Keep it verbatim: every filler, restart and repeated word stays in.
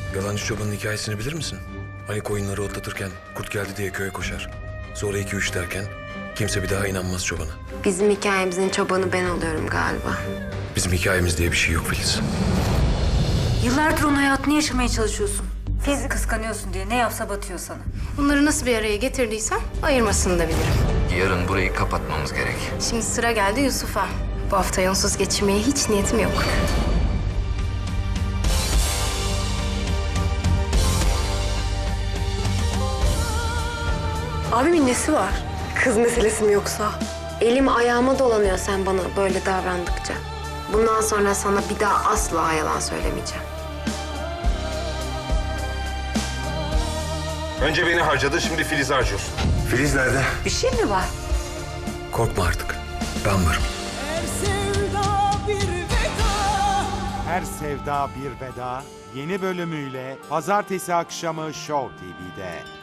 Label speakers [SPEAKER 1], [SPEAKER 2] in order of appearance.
[SPEAKER 1] Yalancı çobanın hikayesini bilir misin? Hani koyunları otlatırken kurt geldi diye köye koşar. Sonra iki üç derken kimse bir daha inanmaz çobana.
[SPEAKER 2] Bizim hikayemizin çobanı ben oluyorum galiba.
[SPEAKER 1] Bizim hikayemiz diye bir şey yok Filiz.
[SPEAKER 3] Yıllardır onun hayatını yaşamaya çalışıyorsun. Filiz'i kıskanıyorsun diye ne yapsa batıyor sana.
[SPEAKER 2] Bunları nasıl bir araya getirdiysen ayırmasını da bilirim.
[SPEAKER 4] Yarın burayı kapatmamız gerek.
[SPEAKER 2] Şimdi sıra geldi Yusuf'a. Bu hafta onsuz geçirmeye hiç niyetim yok. Abimin nesi var? Kız meselesi mi yoksa? Elim ayağıma dolanıyor sen bana böyle davrandıkça. Bundan sonra sana bir daha asla yalan söylemeyeceğim.
[SPEAKER 5] Önce beni harcadın, şimdi Filiz'i harcıyorsun.
[SPEAKER 1] Filiz nerede?
[SPEAKER 3] Bir şey mi var?
[SPEAKER 1] Korkma artık. Ben varım.
[SPEAKER 6] Her sevda bir veda.
[SPEAKER 7] Her Sevda Bir Veda yeni bölümüyle pazartesi akşamı Show T V'de.